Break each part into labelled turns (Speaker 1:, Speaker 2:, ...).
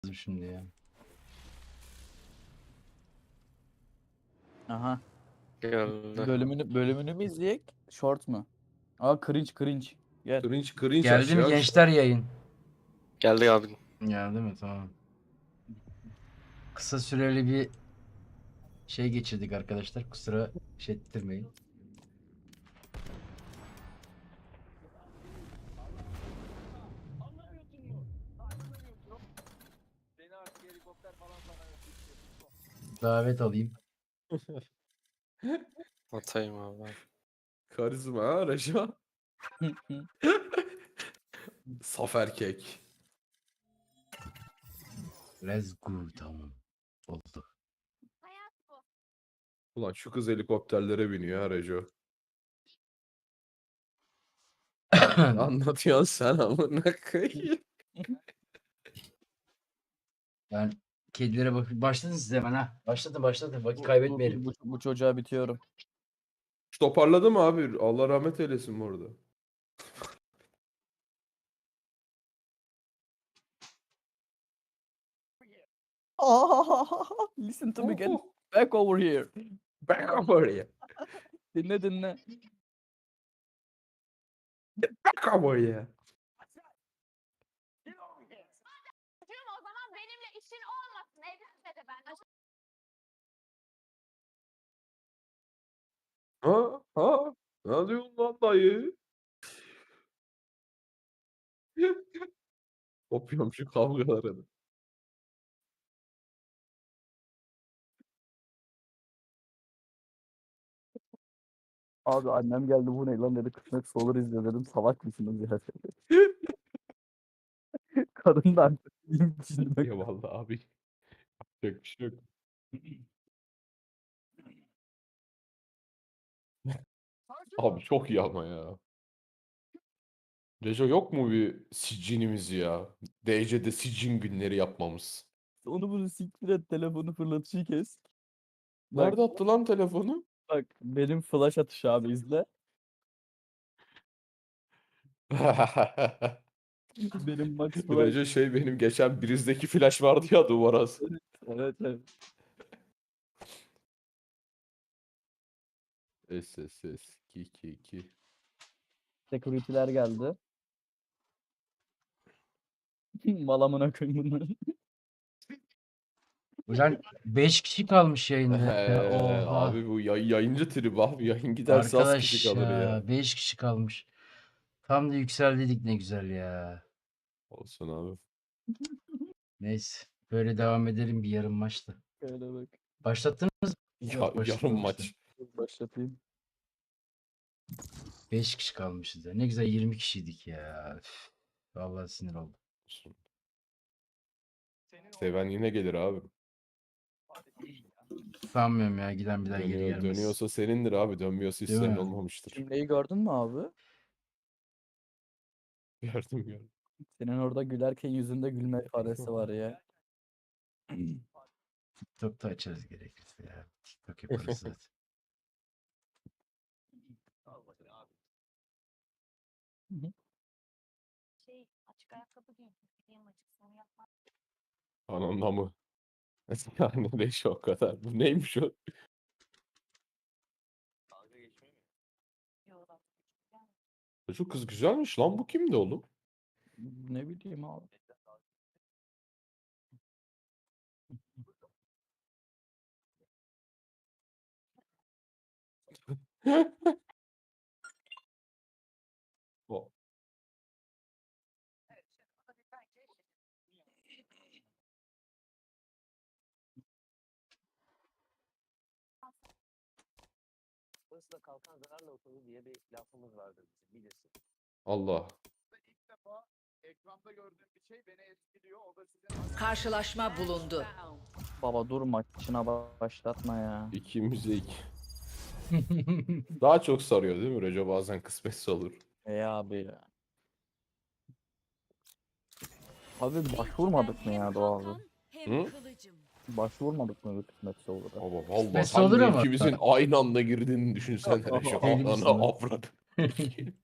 Speaker 1: Şimdi ya.
Speaker 2: Aha.
Speaker 3: Geldi.
Speaker 2: Bölümünü mü izleyek? Short mu? Aa cringe. Gel.
Speaker 4: Cringe
Speaker 1: Geldi mi
Speaker 4: aşağı.
Speaker 1: gençler yayın?
Speaker 3: Geldi abi.
Speaker 1: Geldi mi? Tamam. Kısa süreli bir şey geçirdik arkadaşlar. Kusura şey ettirmeyin. Davet alayım.
Speaker 3: Atayım abi.
Speaker 4: Karizma ha Reşa. Saf erkek.
Speaker 1: Let's go. Tamam. Oldu.
Speaker 4: Ulan şu kız helikopterlere biniyor ha Rejo. Anlatıyorsun sen amına koyayım.
Speaker 1: Ben kedilere başladın siz hemen ha. Başladı. Vakit kaybetmeyelim.
Speaker 2: Bu çocuğa bitiyorum.
Speaker 4: Toparladı mı abi? Allah rahmet eylesin bu arada.
Speaker 2: Listen to me again. Back over here.
Speaker 4: Back over here.
Speaker 2: Dinle.
Speaker 4: Back over here.
Speaker 5: O zaman benimle işin olmasın. Evlenme de ben.
Speaker 4: Ha? Ne diyorsun lan dayı? Kopuyorum şu kavgalara.
Speaker 2: Abi annem geldi bu ne lan dedi. Kısmetse olur izle dedim. Salak mısınız ya? Kadın da artık düşünmek.
Speaker 4: Eyvallah abi. Yapacak bir şey yok. Abi çok iyi ama ya. Rejo yok mu bir sicinimiz ya? DC'de sicin günleri yapmamız.
Speaker 2: Onu bunu siktir et. Telefonu fırlatışı kes. Bak,
Speaker 4: Nerede attı lan telefonu?
Speaker 2: bak benim flash atışı abi izle. Benim max flash.
Speaker 4: Rejo benim geçen Briz'deki flash vardı ya duvara.
Speaker 2: Evet.
Speaker 4: SSS 222.
Speaker 2: Security'ler geldi. Malamına koyayım bunları.
Speaker 1: Ulan 5 kişi kalmış yayında. ya. Oha.
Speaker 4: Abi bu yayıncı tribi abi. Yayın giderse az kişi
Speaker 1: Arkadaş
Speaker 4: kalır ya.
Speaker 1: ya 5 kişi kalmış. Tam da yükseldik ne güzel ya.
Speaker 4: Olsun abi.
Speaker 1: Neyse. Böyle devam edelim bir yarım maçta.
Speaker 2: Şöyle bak.
Speaker 1: Başlattınız mı? Yok,
Speaker 4: Yarım
Speaker 1: başlatmamışlar.
Speaker 4: maç.
Speaker 2: Başlatayım.
Speaker 1: 5 kişi kalmışız ya. Ne güzel 20 kişiydik ya. Üf, vallahi sinir oldum.
Speaker 4: Seven yine gelir abi.
Speaker 1: Sanmıyorum ya giden bir daha geri gelmez.
Speaker 4: Dönüyorsa senindir abi. Dönmüyorsa hiç
Speaker 1: Değil
Speaker 4: senin
Speaker 1: mi?
Speaker 4: olmamıştır.
Speaker 2: Cümleyi gördün mü abi?
Speaker 4: Gördüm.
Speaker 2: Senin orada gülerken yüzünde gülme ifadesi var ya.
Speaker 1: TikTok'ta açarız gerekirse ya. TikTok yaparız zaten.
Speaker 5: Açık ayakkabı giydim. Gideyim açık sonu yapmam.
Speaker 4: Anında mı? Yani Reşo o kadar. Bu neymiş o?
Speaker 5: Yok.
Speaker 4: Şu kız güzelmiş lan. Bu kimdi oğlum?
Speaker 2: Ne bileyim abi.
Speaker 4: O.
Speaker 6: Hırsla kalkan zararla oturur diye bir lafımız vardır bizim bilirsin.
Speaker 4: Allah.
Speaker 7: Karşılaşma bulundu.
Speaker 2: Baba dur maçına başlatma ya.
Speaker 4: İkimize iki. Daha çok sarıyor değil mi Reco? Bazen kısmetse olur.
Speaker 2: Abi ya. Abi başvurmadık mı ya Doğa abi?
Speaker 4: Hı?
Speaker 2: Başvurmadık mı bir kısmetse olur?
Speaker 4: Ama vallahi
Speaker 1: Kısmetse
Speaker 4: sen
Speaker 1: olur
Speaker 4: de
Speaker 1: ama.
Speaker 4: ikimizin aynı anda girdiğini düşünsene Reco.
Speaker 1: Deli misin
Speaker 4: Ana
Speaker 1: lan?
Speaker 4: avradı.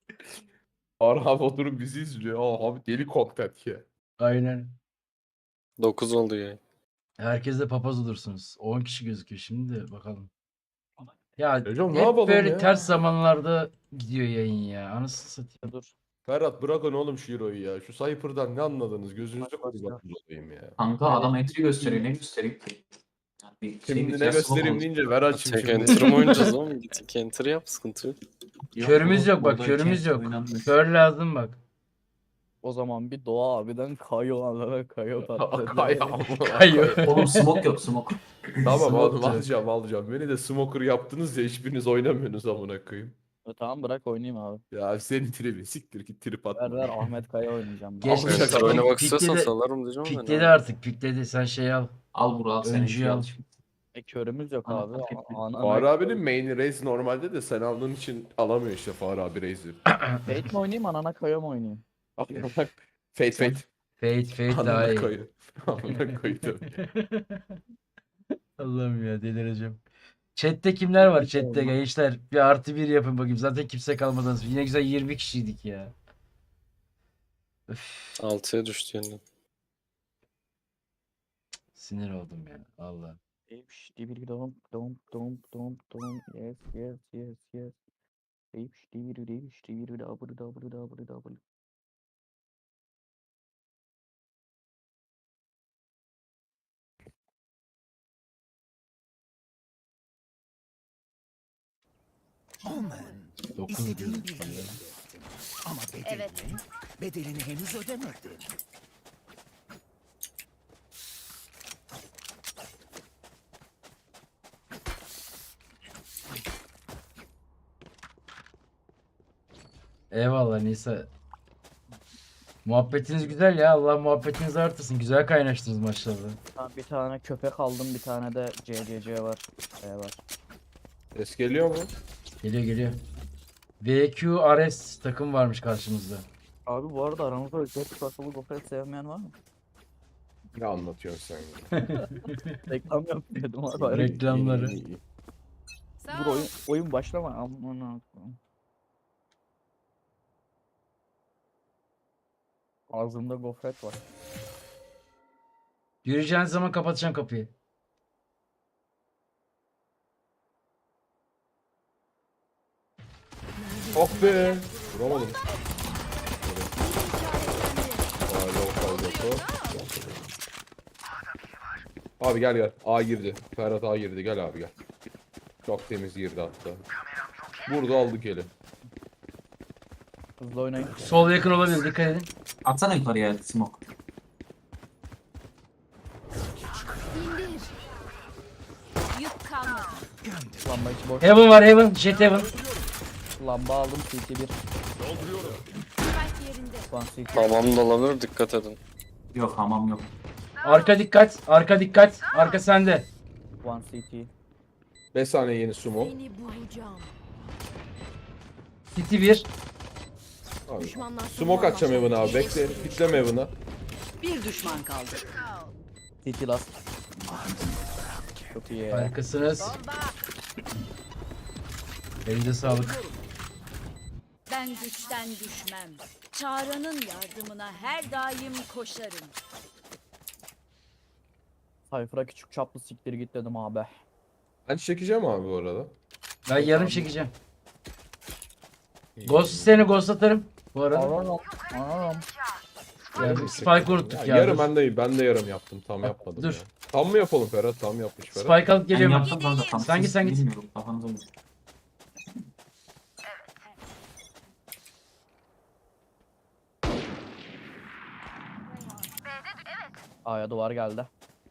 Speaker 4: Arham oturup bizi izliyor. Aa, abi deli content ya.
Speaker 1: Aynen.
Speaker 3: 9 oldu ya.
Speaker 1: Herkes de papaz olursunuz. 10 kişi gözüküyor şimdi de bakalım. Ya
Speaker 4: Hocam ne
Speaker 1: hep
Speaker 4: yapalım
Speaker 1: böyle
Speaker 4: ya?
Speaker 1: ters zamanlarda gidiyor yayın ya. Anasını satayım.
Speaker 2: Dur.
Speaker 4: Ferhat bırakın oğlum şu Euro'yu ya. Şu Cypher'dan ne anladınız? Gözünüzü
Speaker 2: Bak, bak,
Speaker 4: kurbanınız olayım ya.
Speaker 8: Kanka adam entry gösteriyor. Ne göstereyim ki? Yani bir şey
Speaker 4: Şimdi
Speaker 8: bir
Speaker 4: ne
Speaker 8: kıyas
Speaker 4: göstereyim
Speaker 8: olmaz.
Speaker 4: deyince ver açayım
Speaker 3: Tek
Speaker 4: şimdi.
Speaker 3: enter mi oynayacağız oğlum? Git tek enter yap, sıkıntı yok.
Speaker 1: Körümüz yok bak,
Speaker 8: burada
Speaker 1: körümüz
Speaker 8: iki
Speaker 1: yok.
Speaker 8: oynanmıyor.
Speaker 1: Kör lazım bak.
Speaker 2: O zaman bir Doğa abiden kayo alana kayo patladı.
Speaker 4: Kay
Speaker 1: Kayıyor.
Speaker 8: Oğlum smoke yok smoke.
Speaker 4: Tamam
Speaker 8: Smoke
Speaker 4: alacağım. Beni de smoker yaptınız ya hiçbiriniz oynamıyorsunuz amına koyayım.
Speaker 2: Tamam bırak oynayayım abi.
Speaker 4: Ya senin tribi siktir git trip
Speaker 2: Ver
Speaker 4: atma.
Speaker 2: ver Ahmet Kaya oynayacağım.
Speaker 1: Geç,
Speaker 2: Abi,
Speaker 1: geç.
Speaker 3: Enter oynamak istiyorsan
Speaker 1: Pikledi-
Speaker 3: salarım diyeceğim ben.
Speaker 1: Pikledi
Speaker 3: ya.
Speaker 1: artık, pikledi. Sen şey al.
Speaker 8: Al Burak al sen
Speaker 1: Öncüyü
Speaker 8: entry
Speaker 1: al.
Speaker 8: al şimdi.
Speaker 2: körümüz yok
Speaker 8: Ana,
Speaker 2: abi.
Speaker 8: fark ettim.
Speaker 4: Fahri abinin main raise normalde de sen aldığın için alamıyor işte Fahri abi raise'i.
Speaker 2: Fate mi oynayayım anana kayo mu oynayayım?
Speaker 4: Fate.
Speaker 1: Fate daha
Speaker 4: Anına
Speaker 1: iyi.
Speaker 4: koy. Amına koydum.
Speaker 1: Allah'ım ya delireceğim. Chat'te kimler var chat'te gençler? Bir +1 yapın bakayım. Zaten kimse kalmadan. Yine güzel 20 kişiydik ya. Öf,
Speaker 3: 6'ya düştü yeniden.
Speaker 1: sinir oldum ya. Allah.
Speaker 2: Bir dom yes yes yes yes. Bir double.
Speaker 9: Omen,
Speaker 1: 9
Speaker 9: istediğim
Speaker 1: diyoruz.
Speaker 9: bilgiyi elde ettim. Ama
Speaker 5: Evet.
Speaker 9: bedelini henüz ödemedim.
Speaker 1: Eyvallah Nisa. Muhabbetiniz güzel ya. Allah muhabbetinizi artırsın. Güzel kaynaştınız maşallah.
Speaker 2: Bir tane köpek aldım, bir tane de CCC var. Var.
Speaker 4: Ses geliyor mu?
Speaker 1: Geliyor geliyor. VQRS takım varmış karşımızda.
Speaker 2: Abi bu arada aramızda özel basılı gofret sevmeyen var mı?
Speaker 4: Ne anlatıyorsun sen ya?
Speaker 2: Reklam yapıyordum abi.
Speaker 1: Reklamları.
Speaker 4: İyi.
Speaker 5: Sağ
Speaker 2: Dur
Speaker 5: ol.
Speaker 2: oyun başlama. Aman Allah'ım. Ağzımda gofret var.
Speaker 1: Yürüyeceğiniz zaman kapatacağım kapıyı.
Speaker 4: Oh be! Vuramadım. Abi gel. A girdi. Ferhat A girdi. Gel abi gel. Çok temiz girdi hatta. Burada aldık eli.
Speaker 2: Hızlı oynayın.
Speaker 1: Sol yakın olabilir. Dikkat edin.
Speaker 8: Atsana yukarıya smoke.
Speaker 5: İndir. Yük kalmadı.
Speaker 2: Lamba içi boş.
Speaker 1: Heaven var Heaven. Jet Heaven.
Speaker 2: Lamba aldım. CT1.
Speaker 5: Spike yerinde.
Speaker 2: One CT.
Speaker 3: Tamam da olabilir, dikkat edin.
Speaker 8: Yok hamam yok.
Speaker 1: Arka dikkat. Arka dikkat. Arka sende.
Speaker 2: One CT.
Speaker 4: 5 saniye yeni sumo.
Speaker 5: Seni bulacağım.
Speaker 1: City 1.
Speaker 4: Abi.
Speaker 5: Düşmanlar
Speaker 4: Smoke atacağım Evan'a abi. Bekle. Pitleme Evan'a.
Speaker 7: Bir düşman kaldı.
Speaker 2: CT last. Çok iyi ya.
Speaker 1: Harikasınız. Elinize sağlık.
Speaker 5: Ben güçten düşmem. Çağrı'nın yardımına her daim koşarım.
Speaker 2: Sayfıra küçük çaplı siktir git dedim abi.
Speaker 4: Ben çekeceğim abi bu arada.
Speaker 1: Ben yarım çekeceğim. Ghost seni ghost atarım. Bu arada.
Speaker 2: Anam.
Speaker 1: Yani Spike unuttuk ya.
Speaker 4: Yarım
Speaker 1: dur.
Speaker 4: ben de yarım yaptım. Tam yapmadım
Speaker 1: dur.
Speaker 4: ya. Tam mı yapalım Ferhat? Tam yapmış Ferhat.
Speaker 1: Spike alıp
Speaker 8: Ben
Speaker 1: geliyorum.
Speaker 8: yaptım kanka tam.
Speaker 1: Sen git,
Speaker 8: Siz
Speaker 1: sen git.
Speaker 8: Bilmiyorum kafanıza göre.
Speaker 2: A'ya duvar geldi.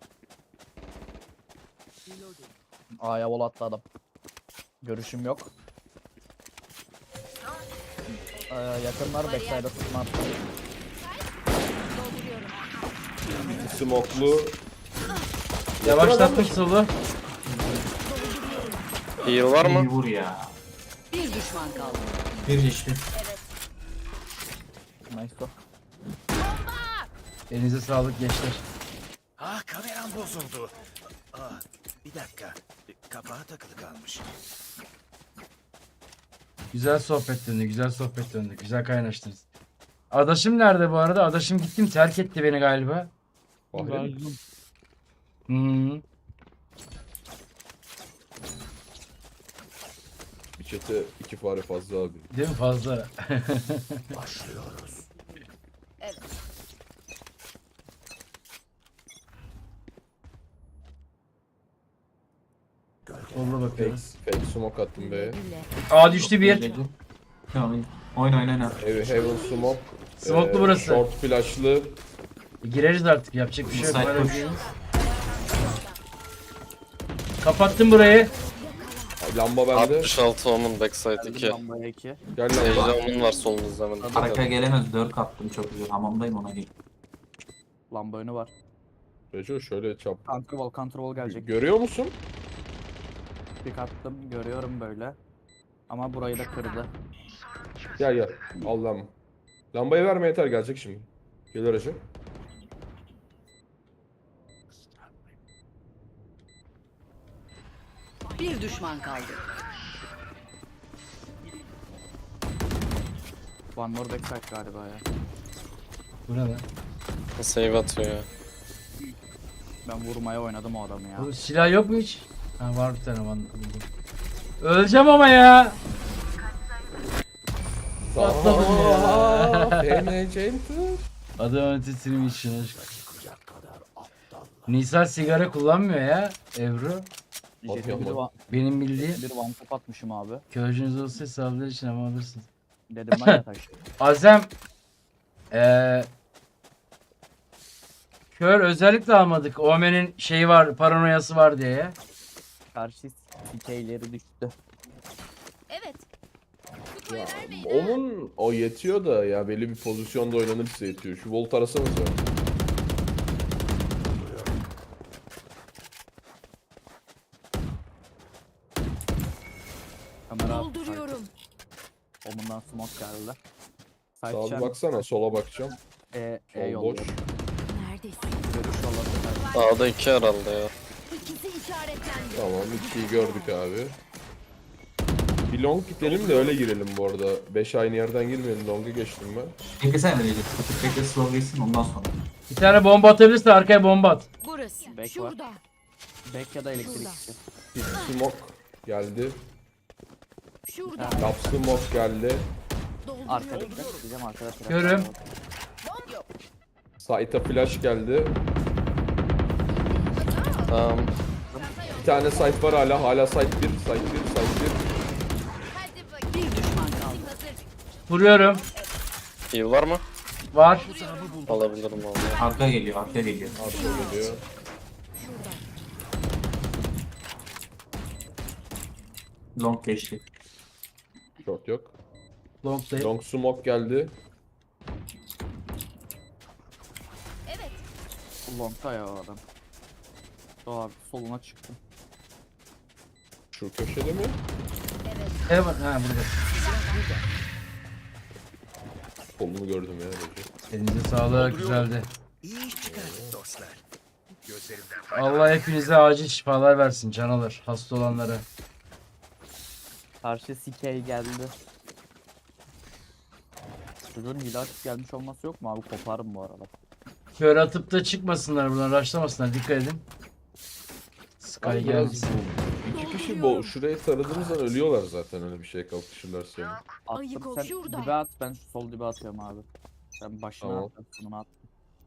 Speaker 2: A'ya vol attı adam. Görüşüm yok. Yakınlar backside'a tutmam.
Speaker 5: Dolduruyorum.
Speaker 4: Smoklu.
Speaker 1: Yavaşlattım solu.
Speaker 3: Heal var
Speaker 8: İyi
Speaker 3: mı?
Speaker 8: vur ya.
Speaker 7: Bir düşman kaldı.
Speaker 8: Bir işte.
Speaker 2: Nice o.
Speaker 1: Elinize sağlık gençler.
Speaker 9: Ah kameram bozuldu. Bir dakika. Kapağı takılı kalmış.
Speaker 1: Güzel sohbet döndü, güzel sohbet döndü. Güzel kaynaştınız. Adaşım nerede bu arada? Adaşım gittim terk etti beni galiba.
Speaker 4: Fahri mi?
Speaker 1: Hmm.
Speaker 4: Bir çete 2 fare fazla abi.
Speaker 1: Değil mi fazla?
Speaker 9: Başlıyoruz.
Speaker 1: Kolla bakıyorum.
Speaker 4: Fake smoke attım be.
Speaker 1: Aa düştü bir.
Speaker 8: Tamam. Oyna oyna.
Speaker 4: Heaven smoke.
Speaker 1: Smoke'lu burası.
Speaker 4: Short flash'lı.
Speaker 1: Gireriz artık yapacak bir şey yok.
Speaker 8: Inside
Speaker 1: Böyle
Speaker 8: push.
Speaker 1: bir- Kapattım burayı.
Speaker 4: Lamba bende.
Speaker 3: 66 Omen backside 2.
Speaker 2: Lambaya 2.
Speaker 4: Gel
Speaker 3: Sage
Speaker 4: lamba.
Speaker 3: Omen var solunuzda hemen. dikkat edin.
Speaker 8: Arkaya gelemez. 4 attım çok güzel. Hamamdayım ona gel.
Speaker 2: Lamba önü var.
Speaker 4: Reco şöyle çap.
Speaker 2: Counter wall gelecek.
Speaker 4: Görüyor musun?
Speaker 2: Pick attım. Görüyorum böyle. Ama burayı da kırdı.
Speaker 4: Gel gel. Al lamba. Lambayı verme yeter gelecek şimdi. Gelir Reco.
Speaker 7: Bir düşman kaldı.
Speaker 2: One more backside galiba ya.
Speaker 1: Bu ne lan?
Speaker 3: Save atıyor ya.
Speaker 2: Ben vurmaya oynadım o adamı ya.
Speaker 1: Bu silah yok mu hiç? Ha var bir tane var. Öleceğim ama ya. Patladım ya.
Speaker 4: Fenecent'ı.
Speaker 1: Adam ötesini için aşk. Nisan sigara kullanmıyor ya Ebru.
Speaker 2: Jet'e bir
Speaker 4: Atma.
Speaker 1: Benim bildiğim
Speaker 2: bir one tap atmışım abi.
Speaker 1: körcünüz olsa hesaplar için ama alırsınız.
Speaker 2: Dedim ben ya taş.
Speaker 1: Azem kör özellikle almadık. Omen'in şeyi var, paranoyası var diye ya.
Speaker 2: Karşı CK'leri düştü.
Speaker 5: Evet.
Speaker 4: Onun o yetiyor da ya belli bir pozisyonda oynanırsa yetiyor. Şu volt arasanız ya.
Speaker 2: Kamera
Speaker 5: Dolduruyorum.
Speaker 2: Omundan smoke geldi.
Speaker 4: Sağa
Speaker 2: Side
Speaker 4: bir
Speaker 2: champ,
Speaker 4: baksana, sola bakacağım.
Speaker 2: E
Speaker 4: Sol boş.
Speaker 2: yolluyorum.
Speaker 5: Neredesin?
Speaker 2: Görüş yolladı.
Speaker 3: A'da 2 herhalde ya.
Speaker 5: İkisi işaretlendi.
Speaker 4: Tamam, 2'yi gördük abi. Bir long gidelim de öyle girelim bu arada. 5 aynı yerden girmeyelim. Long'a geçtim ben.
Speaker 8: Beklesene böyle. Bekle slow geçsin ondan sonra.
Speaker 1: Bir tane bomba atabilirse arkaya bomba at.
Speaker 5: Burası.
Speaker 2: Back var.
Speaker 5: Şurada.
Speaker 2: Back ya da elektrikçi.
Speaker 4: Bir smoke geldi.
Speaker 5: Şurada.
Speaker 4: Lap smoke geldi.
Speaker 2: Arkada diyeceğim arkada. trap
Speaker 1: Görüm.
Speaker 2: var.
Speaker 4: Sait'a flash geldi.
Speaker 3: Tamam.
Speaker 4: Bir tane site var hala. Hala site 1. Site 1. Site 1.
Speaker 5: Hadi bakayım.
Speaker 7: Bir düşman kaldı.
Speaker 5: Hazır.
Speaker 1: Vuruyorum.
Speaker 3: Heal var mı?
Speaker 1: Var.
Speaker 3: Alabilirim vallahi.
Speaker 8: Arka geliyor. Arka geliyor.
Speaker 4: Arka geliyor.
Speaker 8: Long geçti.
Speaker 4: Short yok.
Speaker 1: Long değil.
Speaker 4: Long smoke geldi.
Speaker 5: Evet.
Speaker 2: Long'ta ya o adam. O abi soluna çıktı.
Speaker 4: Şu köşede mi?
Speaker 1: Heaven. Ha burada.
Speaker 4: Kolunu gördüm ya. Recep.
Speaker 1: Elinize sağlık. Güzeldi.
Speaker 9: İyi iş çıkardık dostlar. Gözlerimden
Speaker 1: Allah hepinize acil şifalar versin canalar. Hasta olanlara.
Speaker 2: Karşı CK geldi. Çocuğun hile açıp gelmiş olması yok mu abi? Koparım bu arada.
Speaker 1: Kör atıp da çıkmasınlar buradan. Rushlamasınlar. Dikkat edin. Sky
Speaker 4: Biraz
Speaker 1: gelmesin.
Speaker 4: İki kişi şurayı taradığımızdan ölüyorlar zaten öyle bir şey kalkışırlarsa. Yani.
Speaker 5: Ayık
Speaker 2: Attım
Speaker 5: ol,
Speaker 2: sen
Speaker 5: şurada.
Speaker 2: dibe at ben şu sol dibe atıyorum abi. Sen başına
Speaker 4: Tamam.
Speaker 2: at ben sonuna at.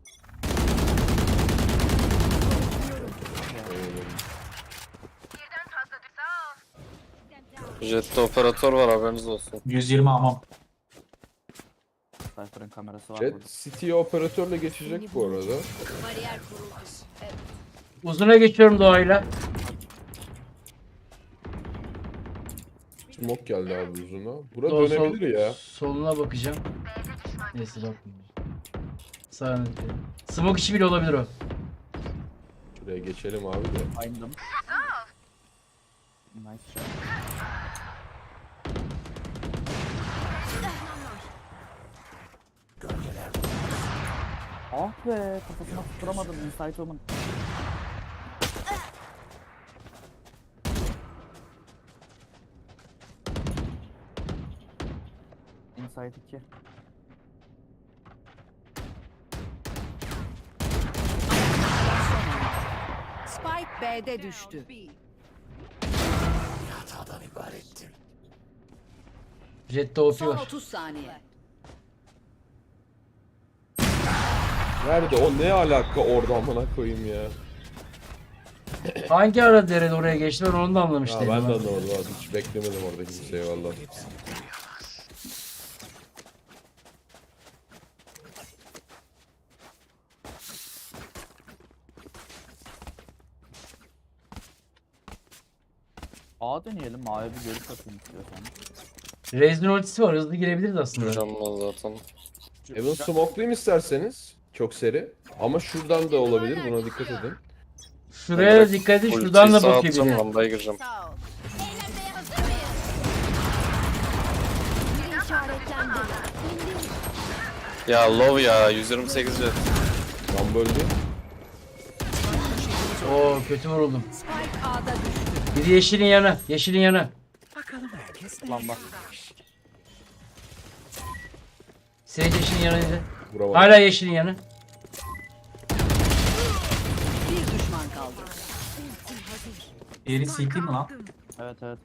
Speaker 3: Jet'te operatör var haberiniz olsun.
Speaker 8: 120 hamam.
Speaker 2: Cypher'ın kamerası var burada.
Speaker 4: Jet City'ye operatörle geçecek bu arada.
Speaker 5: Bariyer kuruldu. Evet.
Speaker 1: Uzuna geçiyorum doğayla.
Speaker 4: Smoke geldi abi uzuna. Bura
Speaker 1: Sol,
Speaker 4: dönebilir ya.
Speaker 1: Soluna bakacağım. Neyse bakmayayım. Sağına dikkat edin. Smoke işi bile olabilir o.
Speaker 4: Şuraya geçelim abi de.
Speaker 2: Ayndım. Nice shot. Ah be kafasına tutturamadım Inside Woman. Inside 2.
Speaker 7: Spike B'de düştü.
Speaker 9: Hatadan ibarettim.
Speaker 1: Jet'te OP
Speaker 7: Son
Speaker 1: var.
Speaker 7: 30 saniye.
Speaker 4: Nerede o, ne alaka orada amına koyayım ya.
Speaker 1: Hangi ara derede oraya geçti ben onu da anlamış
Speaker 4: Ya
Speaker 1: değilim.
Speaker 4: ben de
Speaker 1: ha.
Speaker 4: anlamadım abi, hiç beklemedim orada kimseyi valla.
Speaker 2: A deneyelim. A'ya bir görüş atayım istiyorsan.
Speaker 1: Rez'in ultisi var hızlı girebiliriz aslında.
Speaker 3: Mükemmel zaten.
Speaker 4: Evan smoke'layım isterseniz. Çok seri. Ama şuradan da olabilir, buna dikkat edin.
Speaker 1: Şuraya da dikkat edin şuradan da
Speaker 3: Ultiyi sağa
Speaker 1: bakıyor
Speaker 3: atacağım,
Speaker 1: biri.
Speaker 3: lambaya gireceğim.
Speaker 5: Sağ ol. Eğlenmeye hazır mıyız? Biri işaretlendi.
Speaker 3: Ya low ya 128 jet.
Speaker 4: Tam böldü.
Speaker 1: Oo kötü vuruldum.
Speaker 7: Spike A'da düştü.
Speaker 1: Biri yeşilin yanı. Yeşilin yanı.
Speaker 9: Bakalım herkes ne
Speaker 2: Lamba.
Speaker 1: Sage yeşilin yanıydı.
Speaker 4: Vuramadım.
Speaker 1: Hala yeşilin yanı.
Speaker 7: Bir düşman kaldı.
Speaker 8: Diğeri CT mi lan?
Speaker 2: Evet evet.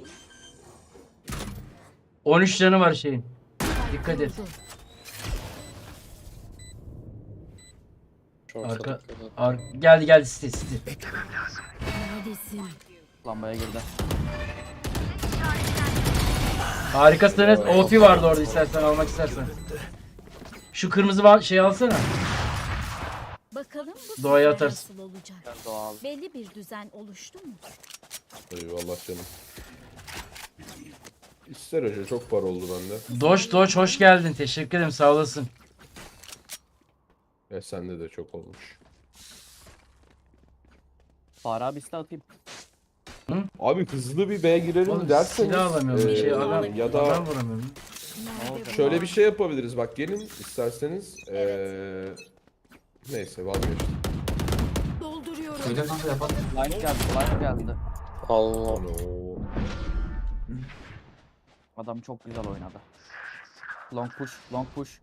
Speaker 1: 13 canı var şeyin. Dikkat et.
Speaker 3: Çok
Speaker 1: Arka-
Speaker 3: dikkat et.
Speaker 1: Geldi City.
Speaker 2: Lambaya girdi.
Speaker 1: Harikasınız. OP vardı orada istersen almak istersen. Şu kırmızı şey alsana.
Speaker 10: Bakalım bu
Speaker 1: Doğaya
Speaker 10: sefer
Speaker 1: atarsın.
Speaker 10: nasıl olacak?
Speaker 2: Gel doğal.
Speaker 10: Belli bir düzen oluştu mu?
Speaker 4: Eyvallah canım. İster hoca, çok para oldu bende.
Speaker 1: Doç hoş geldin. Teşekkür ederim sağ olasın.
Speaker 4: Sende de çok olmuş.
Speaker 2: Fare abi iste atayım.
Speaker 4: Abi hızlı bir B'ye girelim
Speaker 1: Oğlum
Speaker 4: derseniz.
Speaker 1: silah alamıyorum.
Speaker 4: eee,
Speaker 1: Adam,
Speaker 4: ya da
Speaker 1: adam vuramıyorum.
Speaker 4: şöyle bir şey yapabiliriz. Bak gelin isterseniz. Neyse vazgeçtim.
Speaker 10: Dolduruyorum.
Speaker 8: Öyle kanka yapalım.
Speaker 2: Line geldi. Line geldi.
Speaker 3: Allah.
Speaker 4: Ano.
Speaker 2: Adam çok güzel oynadı. Long push. Long push.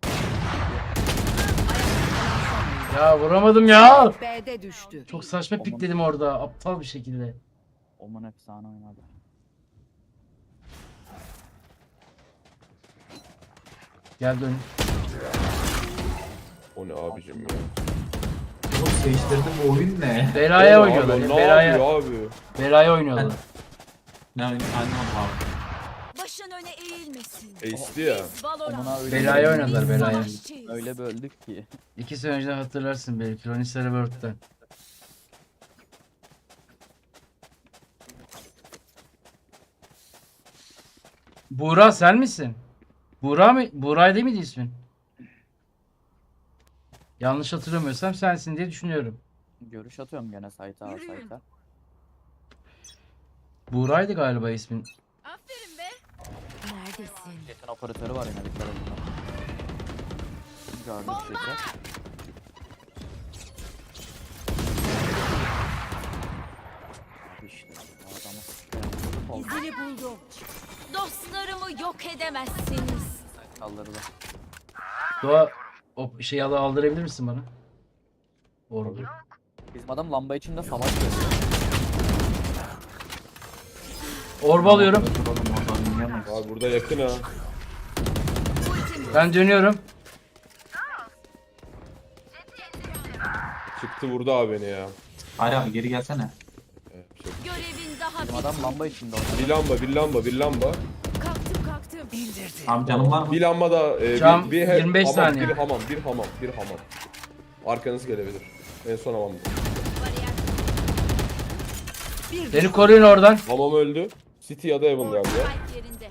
Speaker 1: Ya vuramadım ya.
Speaker 7: B'de düştü.
Speaker 1: Çok saçma pikledim orada. Aptal bir şekilde.
Speaker 2: Oman efsane oynadı.
Speaker 1: Gel dön.
Speaker 4: O ne abicim ya.
Speaker 8: Oğlum değiştirdim, bu oyun ne?
Speaker 1: Belaya
Speaker 4: Abi,
Speaker 1: oynuyorlar.
Speaker 4: ne
Speaker 1: Belaya,
Speaker 4: yapıyor abi?
Speaker 1: belaya oynuyorlar.
Speaker 8: Ne oyun? Anlamadım abi.
Speaker 10: Başın öne eğilmesin.
Speaker 4: Ace'di ya.
Speaker 10: Biz Valorant.
Speaker 2: Omuna öyle
Speaker 1: Belaya oynadılar belaya.
Speaker 10: Savaşçıyız.
Speaker 2: Öyle böldük ki.
Speaker 1: 2 sene önce hatırlarsın belki. Ronnie Servert'ten. Buğra sen misin? Buğra mı? Buğray değil miydi ismin? Yanlış hatırlamıyorsam sensin diye düşünüyorum.
Speaker 2: Görüş atıyorum gene site'a al site'a.
Speaker 1: Buğra'ydı galiba ismin.
Speaker 10: Aferin be. Neredesin?
Speaker 2: Jet'in operatörü var yine dikkat edin. Gördük Jet'i. Abi işte bu adamı sıkıyorum. Oldu.
Speaker 10: İzini buldum. Dostlarımı yok edemezsiniz.
Speaker 2: Kaldırdı.
Speaker 1: Doğa o şeyi aldırabilir misin bana? Orada.
Speaker 2: Bizim adam lamba içinde savaş veriyor.
Speaker 1: Orba alıyorum.
Speaker 8: Duralım oradan oynayamayız.
Speaker 4: Abi burada yakın ha.
Speaker 1: Ben dönüyorum.
Speaker 4: Çıktı vurdu abi beni ya.
Speaker 8: Hayır abi geri gelsene.
Speaker 4: Şey-
Speaker 10: Görevin daha
Speaker 2: Bizim adam lamba içinde oynadı.
Speaker 4: Bir lamba, bir lamba, bir lamba.
Speaker 10: kalktım.
Speaker 8: Abi canım var mı?
Speaker 4: Bir lamba da
Speaker 1: Cam,
Speaker 4: bir
Speaker 1: 25
Speaker 4: hamam,
Speaker 1: saniye.
Speaker 4: bir hamam, bir hamam, bir hamam. Arkanız gelebilir. En son hamam.
Speaker 7: Bir
Speaker 1: Beni koruyun oradan.
Speaker 4: Hamam öldü. City ya da Evan galiba.
Speaker 10: Spike yerinde.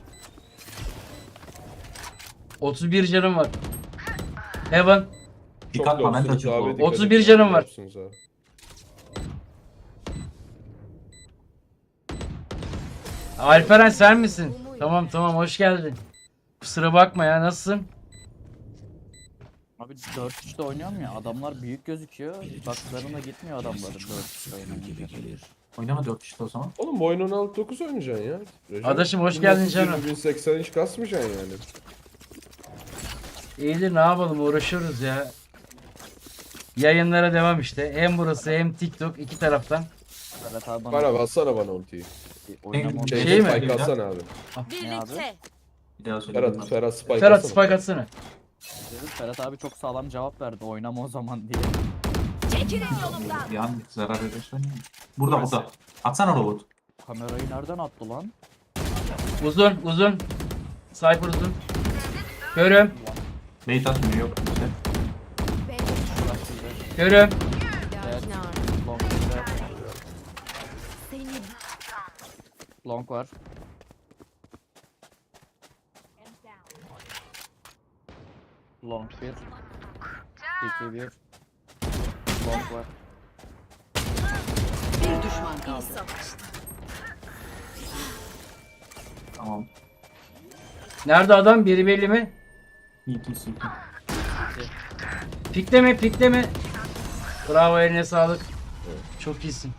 Speaker 1: 31 canım var. Heaven.
Speaker 8: Dikkat
Speaker 4: Çok
Speaker 8: bana, ben de
Speaker 4: lowsunuz abi,
Speaker 8: çok
Speaker 4: dikkat
Speaker 1: 31
Speaker 4: edin,
Speaker 1: canım var.
Speaker 4: lowsunuz abi.
Speaker 1: Alperen sen misin? Tamam hoş geldin. Kusura bakma ya nasılsın?
Speaker 2: Abi 4-3'te oynuyorum ya adamlar büyük gözüküyor. Baklarına gitmiyor adamların 4-3'te oynayınca.
Speaker 8: Oynama 4 işte o zaman.
Speaker 4: Oğlum bu oyunu 16-9 oynayacaksın ya. Recep.
Speaker 1: Adaşım, hoş geldin
Speaker 4: 1920,
Speaker 1: canım.
Speaker 4: 1080 hiç kasmayacaksın yani.
Speaker 1: İyidir ne yapalım uğraşıyoruz ya. Yayınlara devam işte. Hem burası hem TikTok iki taraftan.
Speaker 2: Ferhat abi bana
Speaker 4: Var abi atsana bana ultiyi.
Speaker 2: oynama
Speaker 4: Şey,
Speaker 1: Şey mi?
Speaker 4: spike atsana abi.
Speaker 10: Birlikte.
Speaker 8: Bir daha söyle.
Speaker 4: Ferhat spike
Speaker 1: Ferhat
Speaker 4: atsana.
Speaker 1: spike atsana.
Speaker 2: dedim. Ferhat abi çok sağlam cevap verdi. Oynama o zaman diye.
Speaker 10: Çekilin yolumdan.
Speaker 8: Bir an zarar edersen. Burada. Atsana robot.
Speaker 2: Kamerayı nereden attı lan?
Speaker 1: Uzun. Cypher uzun. Görüm.
Speaker 8: Bait atmıyor yok işte.
Speaker 1: Görüm.
Speaker 2: Evet. Long bizde.
Speaker 10: Seni
Speaker 2: Long var. Long 1. CT 1. Long var.
Speaker 7: Bir düşman
Speaker 10: iyi
Speaker 7: kaldı.
Speaker 10: savaştı.
Speaker 8: Tamam.
Speaker 1: Nerede adam? Biri belli mi?
Speaker 8: CT.
Speaker 1: Pikleme. Bravo, eline sağlık. Çok iyisin.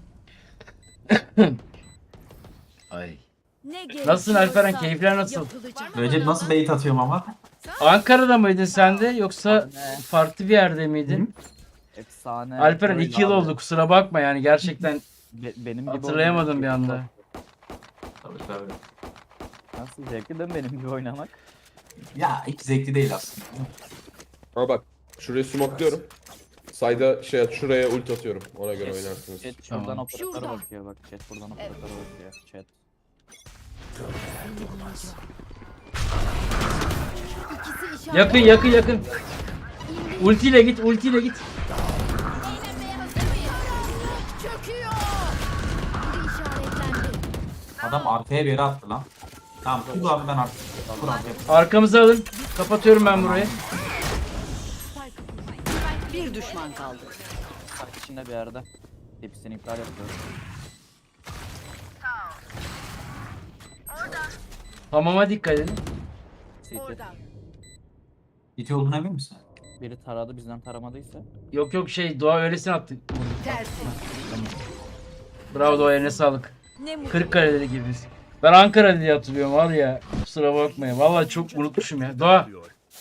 Speaker 1: Ay.
Speaker 10: Ne
Speaker 1: Nasılsın Alperen?
Speaker 10: gerekiyorsa
Speaker 1: Keyifler nasıl?
Speaker 10: yapılacak.
Speaker 8: Recep nasıl bait atıyorum ama?
Speaker 1: Ankara'da mıydın sen de yoksa
Speaker 2: Anne.
Speaker 1: farklı bir yerde miydin?
Speaker 2: Efsane.
Speaker 1: Alperen
Speaker 2: Böyle
Speaker 1: 2 yıl
Speaker 2: abi.
Speaker 1: oldu, kusura bakma yani gerçekten
Speaker 2: Benim gibi
Speaker 1: hatırlayamadım
Speaker 2: oynamak
Speaker 1: bir
Speaker 2: çok
Speaker 1: anda.
Speaker 8: Tabii.
Speaker 2: Nasıl zevkli değil mi benim gibi oynamak?
Speaker 8: Ya hiç zevkli değil aslında.
Speaker 4: Ama bak şuraya smokluyorum. Sayda şuraya ult atıyorum. Ona göre oynarsınız.
Speaker 2: Chat şuradan
Speaker 1: Tamam.
Speaker 2: operatöre
Speaker 10: Şurada.
Speaker 2: bakıyor bak. Chat buradan operatöre bakıyor. Chat.
Speaker 10: İkisi işaret.
Speaker 1: Yakın. Ultiyle git.
Speaker 10: Eğlenmeye hazır mıyız? Çöküyor. Biri işaretlendi.
Speaker 8: Adam arkaya bir yere attı lan. Tamam kur abi ben artık. Kur abi.
Speaker 1: Arkamıza alın. Kapatıyorum ben burayı.
Speaker 7: Bir düşman kaldı.
Speaker 2: Park içinde bir yerde. Hepsini iptal yapıyoruz.
Speaker 1: Hamama dikkat edin.
Speaker 2: CT.
Speaker 8: CT olduğuna emin misin?
Speaker 2: Biri taradı bizden taramadıysa.
Speaker 1: Yok Doğa öylesine attı.
Speaker 7: Tersi.
Speaker 1: Bravo Doğa, eline sağlık.
Speaker 10: Ne mutlu.
Speaker 1: Kırıkkale'li gibiyiz. Ben Ankara diye hatırlıyorum var ya. Kusura bakmayın. Vallahi çok unutmuşum ya. Doğa.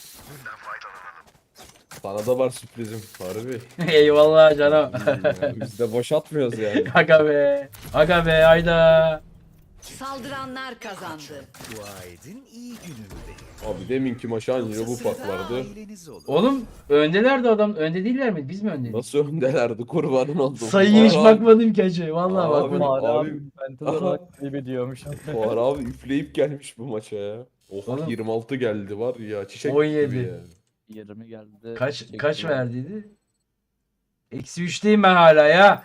Speaker 4: Sana da var sürprizim. Harbi.
Speaker 1: Eyvallah canım.
Speaker 4: Biz de boş atmıyoruz yani.
Speaker 1: Aga be hayda.
Speaker 7: Saldıranlar kazandı.
Speaker 9: Dua edin iyi günümde.
Speaker 4: Abi deminki maç anca bu
Speaker 9: Size
Speaker 4: fark vardı.
Speaker 9: aileniz olur.
Speaker 1: Oğlum öndelerdi adam. Önde değiller mi? Biz mi öndeydik?
Speaker 4: Nasıl öndelerdi kurbanın oldum.
Speaker 1: Sayıya hiç
Speaker 4: Fuar
Speaker 1: bakmadım ki hacı. Vallahi
Speaker 4: Abi,
Speaker 1: bakmadım.
Speaker 4: abi-
Speaker 2: abi mental olarak kaybediyormuş.
Speaker 4: Fuar abi üfleyip gelmiş bu maça ya. Oha
Speaker 1: Oğlum.
Speaker 4: 26 geldi var ya çiçek
Speaker 1: 17.
Speaker 4: gibi yani.
Speaker 2: 20 geldi.
Speaker 1: Kaç verdiydi? Eksi 3'teyim ben hala ya.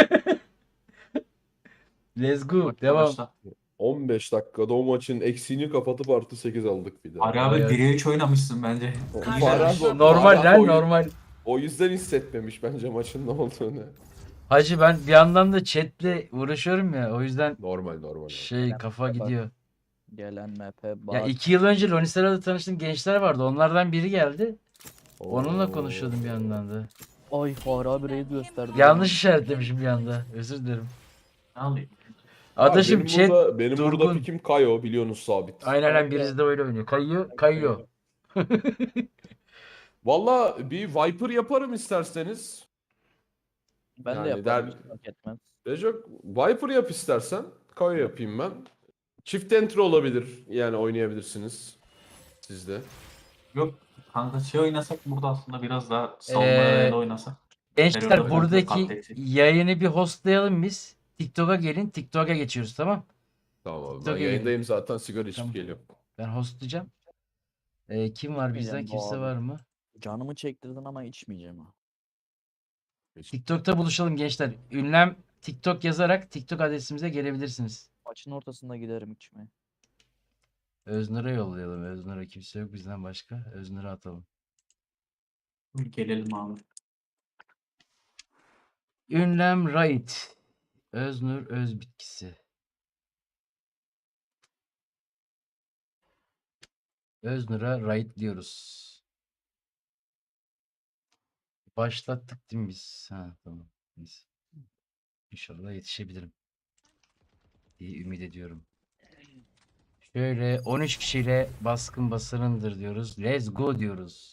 Speaker 1: Let's go. Devam.
Speaker 8: Arkadaşlar,
Speaker 4: 15 dakikada o maçın eksiğini kapatıp artı 8 aldık bir de.
Speaker 8: Ari abi
Speaker 1: Evet.
Speaker 8: 1'e 3 oynamışsın bence.
Speaker 4: Fuar abi-
Speaker 1: Normal
Speaker 4: Fuar
Speaker 1: lan
Speaker 4: abi
Speaker 1: normal.
Speaker 4: O yüzden hissetmemiş bence maçın ne olduğunu.
Speaker 1: Hacı ben bir yandan da chatle uğraşıyorum ya. O yüzden
Speaker 4: Normal.
Speaker 1: kafa gidiyor.
Speaker 2: Gelen MP
Speaker 1: Ya
Speaker 2: bak.
Speaker 1: 2 yıl önce Lonisera'da tanıştığım gençler vardı. Onlardan biri geldi. Onunla
Speaker 4: Oo.
Speaker 1: konuşuyordum bir yandan da.
Speaker 2: Ay Fahri abi reis gösterdi.
Speaker 1: Yanlış işaretlemişim bir anda. Özür dilerim.
Speaker 8: Ne alayım?
Speaker 1: Adaşım
Speaker 4: benim
Speaker 1: chat
Speaker 4: benim burada
Speaker 1: durgun.
Speaker 4: pikim Kayo biliyorsunuz sabit.
Speaker 1: Aynen birisi de öyle oynuyor. Kayıyor.
Speaker 4: Valla bir Viper yaparım isterseniz.
Speaker 2: Ben
Speaker 4: Yani
Speaker 2: de yaparım. hiç fark etmez.
Speaker 4: Recep Viper yap istersen. Kayo yapayım ben. Çift entry olabilir. Yani oynayabilirsiniz. Siz de.
Speaker 8: Yok kanka şey oynasak burada aslında biraz daha savunmayla oynasak.
Speaker 1: Gençler
Speaker 8: Periyoda falan
Speaker 1: buradaki
Speaker 8: katletsin.
Speaker 1: yayını bir hostlayalım biz. TikTok'a gelin. TikTok'a geçiyoruz tamam.
Speaker 4: Tamam abi. Ben
Speaker 1: Çok iyi.
Speaker 4: yayındayım zaten sigara içip
Speaker 1: Tamam.
Speaker 4: geliyorum.
Speaker 1: Ben hostlayacağım. Kim var bizden?
Speaker 2: İçmeyeceğim bu
Speaker 1: Kimse
Speaker 2: abi.
Speaker 1: var mı?
Speaker 2: Canımı çektirdin ama içmeyeceğim ha.
Speaker 1: TikTok'ta buluşalım gençler. Ünlem TikTok yazarak TikTok adresimize gelebilirsiniz.
Speaker 2: Maçın ortasında giderim içmeye.
Speaker 1: Öznur'a yollayalım. Öznur'a kimse yok bizden başka. Öznur'a atalım.
Speaker 8: Gelelim abi.
Speaker 1: Ünlem Right. Öznur öz bitkisi. Öznur'a right diyoruz. Başlattık değil mi biz? Ha tamam. Neyse. İnşallah yetişebilirim diye ümit ediyorum. Şöyle 13 kişiyle baskın basarındır diyoruz. Let's go diyoruz.